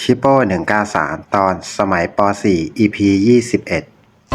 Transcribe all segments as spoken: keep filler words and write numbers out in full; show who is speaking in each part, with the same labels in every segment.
Speaker 1: ชิปโป้หนึ่งเก้าสามตอนสมัยป .สี่ อี พี ยี่สิบเอ็ด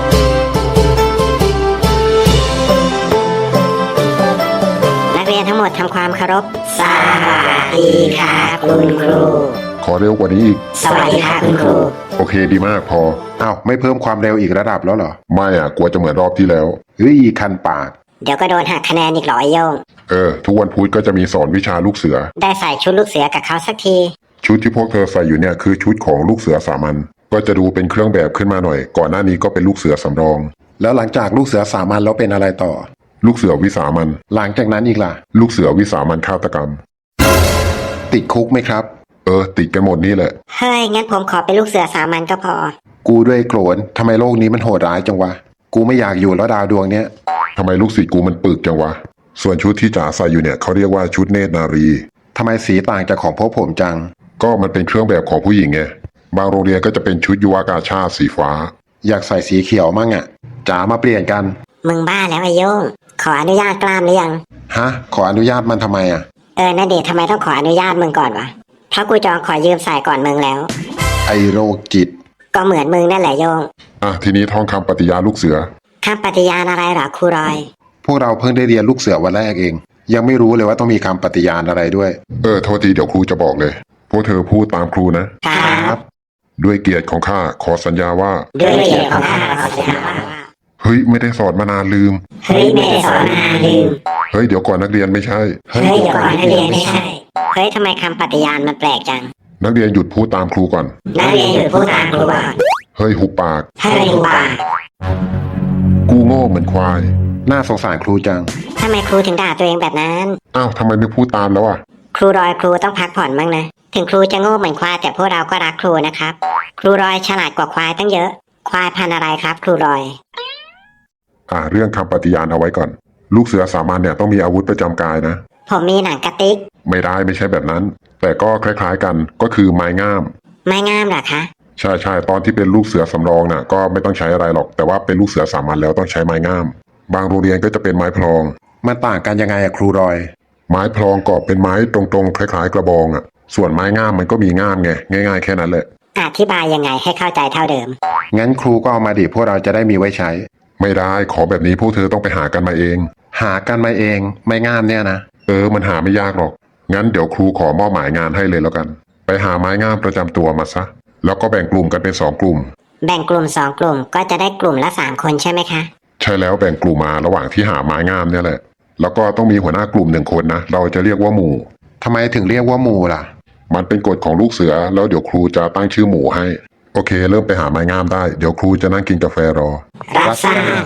Speaker 2: นักเรียนทั้งหมดทำความเคารพสวัสดีค่ะคุณครู
Speaker 3: ขอเร็วกว่านี้อีก
Speaker 2: สวัสดีค่ะคุณครู
Speaker 3: โอเคดีมากพอ
Speaker 1: อ้าวไม่เพิ่มความเร็วอีกระดับแล้วเหรอ
Speaker 3: ไม่อ่ะกลัวจะเหมือนรอบที่แล้ว
Speaker 1: เฮ้ยคันปาก
Speaker 2: เดี๋ยวก็โดนหักคะแนนอีกหรอไอโยง
Speaker 3: เออทุกวันพุธก็จะมีสอนวิชาลูกเสือ
Speaker 2: ได้ใส่ชุดลูกเสือกับเขาสักที
Speaker 3: ชุดที่พวกเธอใส่อยู่เนี่ยคือชุดของลูกเสือสามัญก็จะดูเป็นเครื่องแบบขึ้นมาหน่อยก่อนหน้านี้ก็เป็นลูกเสือสำรอง
Speaker 1: แล้วหลังจากลูกเสือสามัญแล้วเป็นอะไรต่อ
Speaker 3: ลูกเสือวิสามัญ
Speaker 1: หลังจากนั้นอีกล่ะ
Speaker 3: ลูกเสือวิสามัญฆาตกรรม
Speaker 1: ติดคุกไหมครับ
Speaker 3: เออติดกันหมดนี่แหละ
Speaker 2: เฮ้ยงั้นผมขอเป็นลูกเสือสามัญก็พอ
Speaker 1: กูด้วยโกรธทำไมโลกนี้มันโหดร้ายจังวะกูไม่อยากอยู่แล้วดาวดวงเนี้ย
Speaker 3: ทำไมลูกศิษย์กูมันปึกจังวะส่วนชุดที่จ๋าใส่อยู่เนี่ยเขาเรียกว่าชุดเนตรนารี
Speaker 1: ทำไมสีต่างจากของพวกผมจัง
Speaker 3: ก็มันเป็นเครื่องแบบของผู้หญิงไงบางโรงเรียนก็จะเป็นชุดยุวกาชาติสีฟ้า
Speaker 1: อยากใส่สีเขียวมั่งอ่ะจ๋ามาเปลี่ยนกัน
Speaker 2: มึงบ้าแล้วไอโยงขออนุญาตกล้ามหรือยัง
Speaker 1: ฮะขออนุญาตมันทำไมอ่ะ
Speaker 2: เออนาเดชทำไมต้องขออนุญาตมึงก่อนวะเพราะกูจองขอยืมใส่ก่อนมึงแล้ว
Speaker 1: ไอโรคจิต
Speaker 2: ก็เหมือนมึงนั่นแหละโยง
Speaker 3: อ่ะทีนี้ท่องคำปฏิญาณลูกเสือ
Speaker 2: คำปฏิญาณอะไรหรอครูรอย
Speaker 1: พวกเราเพิ่งได้เรียนลูกเสือวันแรกเองยังไม่รู้เลยว่าต้องมีคำปฏิญาณอะไรด้วย
Speaker 3: เออโทษทีเดี๋ยวครูจะบอกเลยพวกเธอพูดตามครูนะครับด้วยเกียรติของข้าขอสัญญาว่า
Speaker 2: ด้วยเกียรติของข้าขอสัญญาว่า
Speaker 3: เฮ้ยไม่ได้สอนมานานลืม
Speaker 2: เฮ้ยไม่ได้สอนมานานลืม
Speaker 3: เฮ้ยเดี๋ยวก่อนนักเรียนไม่ใช่
Speaker 2: เฮ้ยเดี๋ยวก่อนนักเรียนไม่ใช่เฮ้ยทำไมคำปฏิญาณมันแปลกจัง
Speaker 3: นักเรียนหยุดพูดตามครูก่อน
Speaker 2: นักเรียนหยุดพูดตามครูก่อน
Speaker 3: เฮ้ยหุบปาก
Speaker 2: เฮ้ยหุบปาก
Speaker 3: กูโง่เหมือนควาย
Speaker 1: น่าสงสารครูจัง
Speaker 2: ทำไมครูถึงด่าตัวเองแบบนั้น
Speaker 3: อ้าวทำไมไม่พูดตามแล้วอ่ะ
Speaker 2: ครูรอยครูต้องพักผ่อนบ้างนะถึงครูจะโง่เหมือนควายแต่พวกเราก็รักครูนะครับครูรอยฉลาดกว่าควายตั้งเยอะควายพันธุ์อะไรครับครูรอย
Speaker 3: อ่าเรื่องคำปฏิญาณเอาไว้ก่อนลูกเสือสามัญเนี่ยต้องมีอาวุธประจำกายนะ
Speaker 2: ผมมีหนังกระติก
Speaker 3: ไม่ได้ไม่ใช่แบบนั้นแต่ก็คล้ายๆกันก็คือไม้งาม
Speaker 2: ไม้งามเหรอคะ
Speaker 3: ใช่ใช่ตอนที่เป็นลูกเสือสำรองน่ะก็ไม่ต้องใช้อะไรหรอกแต่ว่าเป็นลูกเสือสามัญแล้วต้องใช้ไม้งามบางโรงเรียนก็จะเป็นไม้พลอง
Speaker 1: มันต่างกันยังไงอะครูรอย
Speaker 3: ไม้พลองก็เป็นไม้ตรงๆคล้ายๆกระบองอ่ะส่วนไม้งามมันก็มีง่ามไงง่ายๆแค่นั้นแหละ
Speaker 2: อธิบายยังไงให้เข้าใจเท่าเดิม
Speaker 1: งั้นครูก็เอามาดิพวกเราจะได้มีไว้ใช้
Speaker 3: ไม่ได้ขอแบบนี้พวกเธอต้องไปหากันมาเอง
Speaker 1: หากันมาเองไม่ง่ามเนี่ยนะ
Speaker 3: เออมันหาไม่ยากหรอกงั้นเดี๋ยวครูขอมอบหมายงานให้เลยแล้วกันไปหาไม้งามประจำตัวมาซะแล้วก็แบ่งกลุ่มกันเป็นสองกลุ่ม
Speaker 2: แบ่งกลุ่มสองกลุ่มก็จะได้กลุ่มละสามคนใช่ไหมคะ
Speaker 3: ใช่แล้วแบ่งกลุ่มมาระหว่างที่หาไม้งามเนี่ยแหละแล้วก็ต้องมีหัวหน้ากลุ่มหนึ่งคนนะเราจะเรียกว่าหมู่
Speaker 1: ทำไมถึงเรียกว่าหมู่ล่ะ
Speaker 3: มันเป็นกฎของลูกเสือแล้วเดี๋ยวครูจะตั้งชื่อหมู่ให้โอเคเริ่มไปหาไม้งามได้เดี๋ยวครูจะนั่งกินกาแฟรอ
Speaker 2: รับทราบ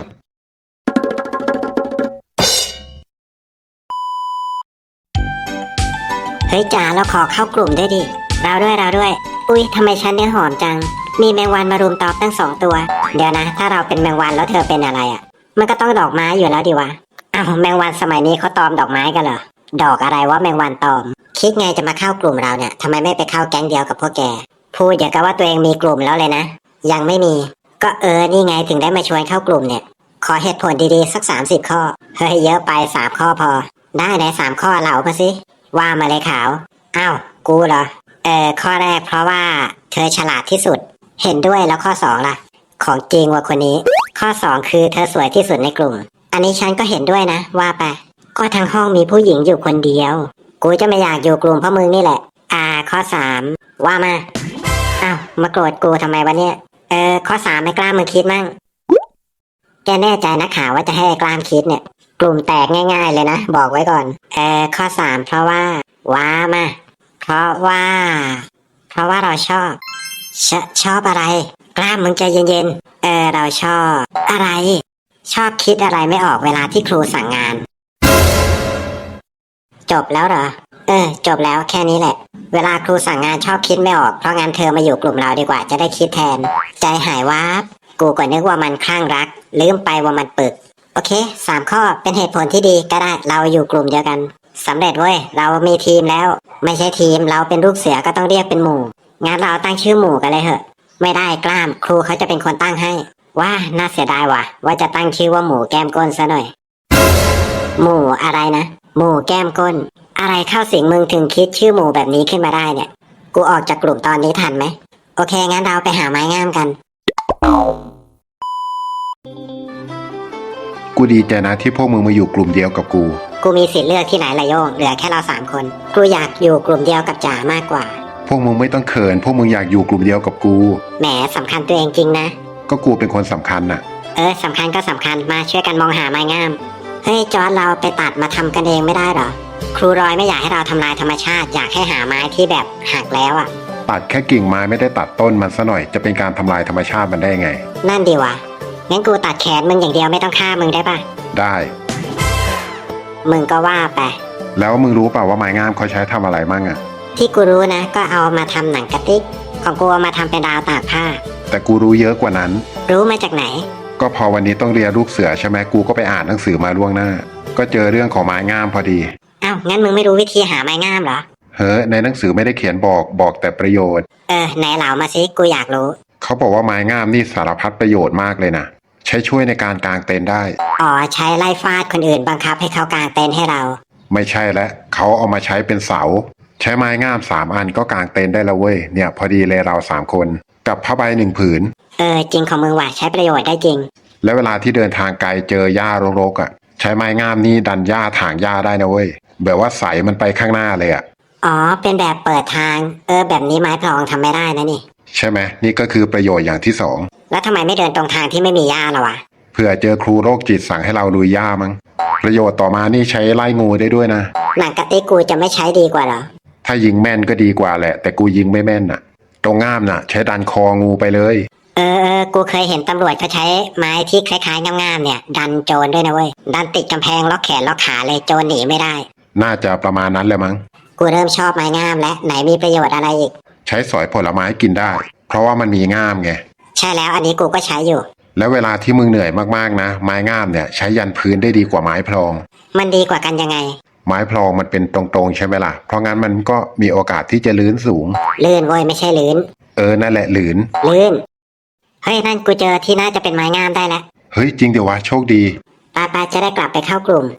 Speaker 2: เฮ้ยจ๋าเราขอเข้ากลุ่มด้วยดิเราด้วยเราด้วยอุ้ยทำไมฉันเนี่ยหอมจังมีแมงวันมารุมตอมตั้งสองตัวเดี๋ยวนะถ้าเราเป็นแมงวันแล้วเธอเป็นอะไรอ่ะมันก็ต้องดอกไม้อยู่แล้วดิวะอ้าวแมงวันสมัยนี้เขาตอมดอกไม้กันเหรอดอกอะไรวะแมงวันตอมคิดไงจะมาเข้ากลุ่มเราเนี่ยทำไมไม่ไปเข้าแก๊งเดียวกับพวกแกพูดอย่างกับว่าตัวเองมีกลุ่มแล้วเลยนะยังไม่มีก็เออนี่ไงถึงได้มาชวนเข้ากลุ่มเนี่ยขอเหตุผลดีๆสักสามสิบข้อเฮ้ยเยอะไปสามข้อพอได้ไหนสามข้อเหล่ามาสิว่ามาเลยขาวอ้าวกูเหรอเออข้อแรกเพราะว่าเธอฉลาดที่สุดเห็นด้วยแล้วข้อสองล่ะของจริงว่ะคนนี้ข้อสองคือเธอสวยที่สุดในกลุ่มอันนี้ฉันก็เห็นด้วยนะว่าไปก็ทั้งห้องมีผู้หญิงอยู่คนเดียวกูจะไม่อยากอยู่กลุ่มเพราะมึงนี่แหละอ่าข้อสามว่ามาอ้าวมาโกรธกูทำไมวะเนี่ยเออข้อสามไม่กล้ามึงคิดมั่งแกแน่ใจนะข่าวว่าจะให้กล้ามคิดเนี่ยกลุ่มแตกง่ายๆเลยนะบอกไว้ก่อนเออข้อสามเพราะว่าว่ามาเพราะว่าเพราะว่าเราชอบชชอบอะไรกล้ามมึงใจเย็นๆเออเราชอบอะไรชอบคิดอะไรไม่ออกเวลาที่ครูสั่งงานจบแล้วเหรอเออจบแล้วแค่นี้แหละเวลาครูสั่งงานชอบคิดไม่ออกเพราะงั้นเธอมาอยู่กลุ่มเราดีกว่าจะได้คิดแทนใจหายวับกูก็นึกว่ามันคลั่งรักลืมไปว่ามันปึกโอเคสามข้อเป็นเหตุผลที่ดีก็ได้เราอยู่กลุ่มเดียวกันสำเร็จเว้ยเรามีทีมแล้วไม่ใช่ทีมเราเป็นลูกเสือก็ต้องเรียกเป็นหมู่งั้นเราตั้งชื่อหมู่กันเลยเหอะไม่ได้กล้ามครูเขาจะเป็นคนตั้งให้ว่าน่าเสียดายว่ะว่าจะตั้งชื่อว่าหมู่แก้มก้นซะหน่อยหมู่อะไรนะหมู่แก้มก้นอะไรเข้าสิงมึงถึงคิดชื่อหมู่แบบนี้ขึ้นมาได้เนี่ยกูออกจากกลุ่มตอนนี้ทันไหมโอเคงั้นเราไปหาไม้งามกัน
Speaker 1: กูดีใจนะที่พวกมึงมาอยู่กลุ่มเดียวกับกู
Speaker 2: กูมีสิทธิ์เลือกที่ไหนละโยงเหลือแค่เราสามคนกูอยากอยู่กลุ่มเดียวกับจ๋ามากกว่า
Speaker 1: พวกมึงไม่ต้องเขิน พวกมึงอยากอยู่กลุ่มเดียวกับกู
Speaker 2: แหมสำคัญตัวเองจริงนะ
Speaker 1: ก็กูเป็นคนสำคัญน่ะ
Speaker 2: เออสำคัญก็สำคัญมาช่วยกันมองหาไม้งามเฮ้ยจอร์จเราไปตัดมาทำกันเองไม่ได้เหรอครูรอยไม่อยากให้เราทำลายธรรมชาติอยากให้หาไม้ที่แบบหักแล้วอ่ะ
Speaker 1: ตัดแค่กิ่งไม้ไม่ได้ตัดต้นมันซะหน่อยจะเป็นการทำลายธรรมชาติมันได้ไง
Speaker 2: นั่นดีวะงั้นกูตัดแขนมึงอย่างเดียวไม่ต้องฆ่ามึงได้ปะ
Speaker 1: ได้
Speaker 2: มึงก็ว่าไป
Speaker 1: แล้วมึงรู้เปล่าว่าไม้งามเขาใช้ทำอะไรมั่งอะ
Speaker 2: ที่กูรู้นะ ก็เอามาทำหนังกระติกของกูเอามาทำเป็นราวตากผ้า
Speaker 1: แต่กูรู้เยอะกว่านั้น
Speaker 2: รู้มาจากไหน
Speaker 1: ก็พอวันนี้ต้องเรียนลูกเสือใช่ไหมกูก็ไปอ่านหนังสือมาล่วงหน้า ก็เจอเรื่องของไม้งามพอดี
Speaker 2: เอ้างั้นมึงไม่รู้วิธีหาไม้งามเหรอ
Speaker 1: เฮ้ยในหนังสือไม่ได้เขียนบอกบอกแต่ประโยชน์
Speaker 2: เออไหนเหล่ามาสิกูอยากรู้
Speaker 1: เขาบอกว่าไม้งามนี่สารพัดประโยชน์มากเลยนะใช้ช่วยในการกางเต็นท์ได้
Speaker 2: อ๋อใช้ไล่ฟาดคนอื่นบังคับให้เขากางเต็นท์ให้เรา
Speaker 1: ไม่ใช่แล้วเขาเอามาใช้เป็นเสา ใช้ไม้งามสามอันก็กางเต็นท์ได้แล้วเว้ยเนี่ยพอดีเลยเราสามคนกับผ้าใบหนึ่งผืน
Speaker 2: เออจริงของมึงว่ะใช้ประโยชน์ได้จริง
Speaker 1: แล้วเวลาที่เดินทางไกลเจอหญ้ารกๆอ่ะใช้ไม้งามนี่ดันหญ้าถางหญ้าได้นะเว้ยแบบว่าใสมันไปข้างหน้าเลยอ่ะ
Speaker 2: อ๋อเป็นแบบเปิดทาง เออแบบนี้ไม้พลองทำไม่ได้นะนี่
Speaker 1: ใช่ไหมนี่ก็คือประโยชน์อย่างที่สอง
Speaker 2: แล้วทำไมไม่เดินตรงทางที่ไม่มีหญ้าล่ะวะ
Speaker 1: เผื่อเจอครูโรคจิตสั่งให้เราลุยหญ้ามั้งประโยชน์ต่อมานี่ใช้ไล่งูได้ด้วยนะ
Speaker 2: หนังกระติกกูจะไม่ใช้ดีกว่าเหรอ
Speaker 1: ถ้ายิงแม่นก็ดีกว่าแหละ แต่กูยิงไม่แม่นน่ะ ตรงง่ามน่ะ ใช้ดันคองูไปเลย
Speaker 2: เออเออกูเคยเห็นตำรวจเขาใช้ไม้ที่คล้ายๆงามๆเนี่ย ดันโจรด้วยนะเว้ยดันติดกำแพงล็อกแขนล็อกขาเลยโจรหนีไม่ได้
Speaker 1: น่าจะประมาณนั้นแหละมั้ง
Speaker 2: กูเริ่มชอบไม้งามแล้วไหนมีประโยชน์อะไรอีก
Speaker 1: ใช้สอยผลไม้กินได้ เพราะว่ามันมีง่ามไง
Speaker 2: ใช่แล้วอันนี้กูก็ใช้อยู่
Speaker 1: แล้วเวลาที่มึงเหนื่อยมากๆนะ ไม้ง่ามเนี่ยใช้ยันพื้นได้ดีกว่าไม้พลอง
Speaker 2: มันดีกว่ากันยังไง
Speaker 1: ไม้พลองมันเป็นตรงๆใช่ไหมล่ะ เพราะงั้นมันก็มีโอกาสที่จะลื่นสูง
Speaker 2: ลื่นเว้ยไม่ใช่ลื่น
Speaker 1: เออนั่นแหละลื่น
Speaker 2: ลื่นเฮ้ยนั่นกูเจอที่น่าจะเป็นไม้งามได้แล้ว
Speaker 1: เฮ้ยจริงเดี๋ยววะโชคดี
Speaker 2: ปาปาจะได้กลับไปเข้ากลุ่ม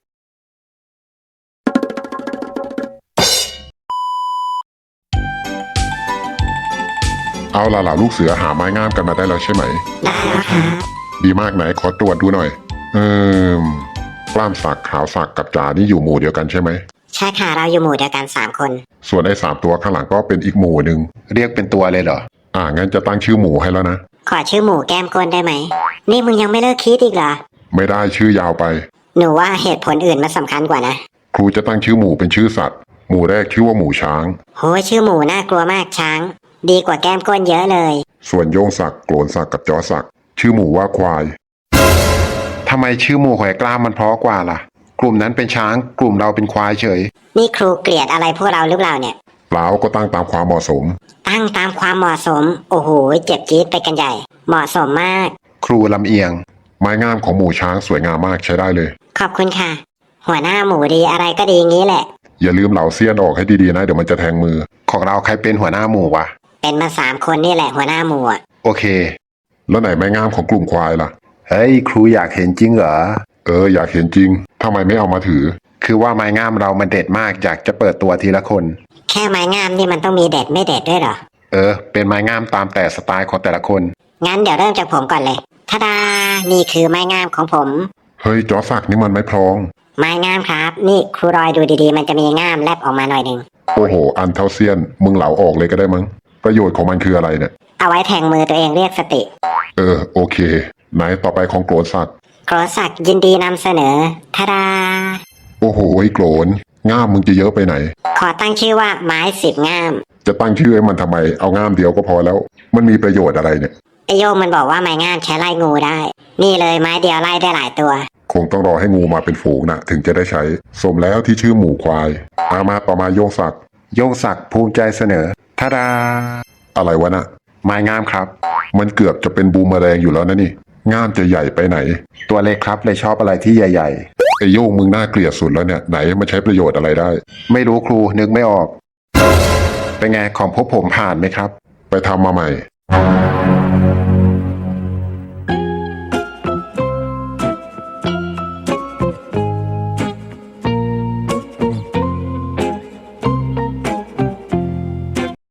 Speaker 3: เอาล่ะเหล่าลูกเสือหาไม้งามกันมาได้แล้วใช่ไหม
Speaker 2: ได้แล้วครับ
Speaker 3: ดีมากไหนขอตรวจดูหน่อย เอ่มกล้ามสักขาวสักกับจ๋านี่อยู่หมู่เดียวกันใช่ไหม
Speaker 2: ใช่ค่ะเราอยู่หมู่เดียวกันสามคน
Speaker 3: ส่วนไอ้สามตัวข้างหลังก็เป็นอีกหมู่หนึ่ง
Speaker 1: เรียกเป็นตัวเลยเหรอ
Speaker 3: อ่างั้นจะตั้งชื่อหมู่ให้แล้วนะ
Speaker 2: ขอชื่อหมู่แก้มก้นได้ไหม นี่มึงยังไม่เลิกคิดอีกเหรอ
Speaker 3: ไม่ได้ชื่อยาวไป
Speaker 2: หนูว่าเหตุผลอื่นมันสำคัญกว่านะ
Speaker 3: ครูจะตั้งชื่อหมู่เป็นชื่อสัตว์ หมู่แรกชื่อว่าหมู่ช้าง
Speaker 2: โหชื่อหมู่น่ากลัวมากช้าง ดีกว่าแก้มก้นเยอะเลย
Speaker 3: ส่วนโยงศักดิ์โกรนศักดิ์กับจอศักดิ์ชื่อหมู่ว่าควาย
Speaker 1: ทำไมชื่อหมู่หอยกล้ามมันเพราะกว่าล่ะ กลุ่มนั้นเป็นช้าง กลุ่มเราเป็นควายเฉย
Speaker 2: นี่ครูเกลียดอะไรพวกเราหรือเปล่าเนี่ย
Speaker 3: เปล่าก็ตั้งตามความเหมาะสม
Speaker 2: ตั้งตามความเหมาะสม โอ้โหเจ็บจี๊ดไปกันใหญ่ เหมาะสมมาก
Speaker 1: ครูลำเอียง
Speaker 3: ไม้งามของหมู่ช้างสวยงามมากใช้ได้เลย
Speaker 2: ขอบคุณค่ะ หัวหน้าหมูดีอะไรก็ดีงี้แหละ
Speaker 3: อย่าลืมเหลาเสี้ยนออกให้ดีๆนะเดี๋ยวมันจะแทงมือ
Speaker 1: ของเราใครเป็นหัวหน้าหมู่วะ
Speaker 2: เป็นมาสามคนนี่แหละหัวหน้าหมูอ่ะ
Speaker 1: โอเค
Speaker 3: แล้วไหนไม้งามของกลุ่มควายล่ะ
Speaker 1: เฮ้ยครูอยากเห็นจริงเหรอ
Speaker 3: เอออยากเห็นจริงทำไมไม่เอามาถือ
Speaker 1: คือว่าไม้งามเรามันเด็ดมากอยากจะเปิดตัวทีละคน
Speaker 2: แค่ไม้งามนี่มันต้องมีเด็ดไม่เด็ดด้วยเหรอ
Speaker 1: เออ เป็นไม้งามตามแต่สไตล์ของแต่ละคน
Speaker 2: งั้นเดี๋ยวเริ่มจากผมก่อนเลยทาดา นี่คือไม้งามของผม
Speaker 3: เฮ้ยจอศักดิ์นี่มันไม่พลอง
Speaker 2: ไม้งามครับ นี่ครูรอยดูดีๆ มันจะมีง่ามแลบออกมาหน่อยหนึ่ง
Speaker 3: โอ้โห อันเท่าเซียน มึงเหลาออกเลยก็ได้มั้ง ประโยชน์ของมันคืออะไรเนี่ย
Speaker 2: เอาไว้แทงมือตัวเองเรียกสติ
Speaker 3: เออ โอเค ไหนต่อไปของโกรนศักดิ์
Speaker 2: โกรศักดิ์ยินดีนำเสนอทาดา
Speaker 3: โอ้โหไอ้โกรนง่ามมึงจะเยอะไปไหน
Speaker 2: ขอตั้งชื่อว่าไม้สิบง่าม
Speaker 3: จะตั้งชื่อให้มันทำไม เอาง่ามเดียวก็พอแล้ว มันมีประโยชน์อะไรเนี่ย
Speaker 2: ไอโยมมันบอกว่าไม้งามใช้ไล่งูได้ นี่เลยไม้เดียวไล่ได้หลายตัว
Speaker 3: คงต้องรอให้งูมาเป็นฝูงนะถึงจะได้ใช้ สมแล้วที่ชื่อหมู่ควายอามาต่อมาโยงศักดิ์
Speaker 1: โยงศักดิ์ภูมิใจเสนอทาดา
Speaker 3: อะไรวะน่ะ
Speaker 1: ไม้งามครับ
Speaker 3: มันเกือบจะเป็นบูมเมอแรงอยู่แล้วนะนี่ง่ามจะใหญ่ไปไหน
Speaker 1: ตัวเล็กครับเลยชอบอะไรที่ใหญ่
Speaker 3: ไอโยงมึงน่าเกลียดสุดแล้วเนี่ยไหนมันใช้ประโยชน์อะไรได้
Speaker 1: ๆ ไม่รู้ครูนึกไม่ออก เป็นไงของพวกผมผ่านไหมครับ
Speaker 3: ไปทำมาใหม่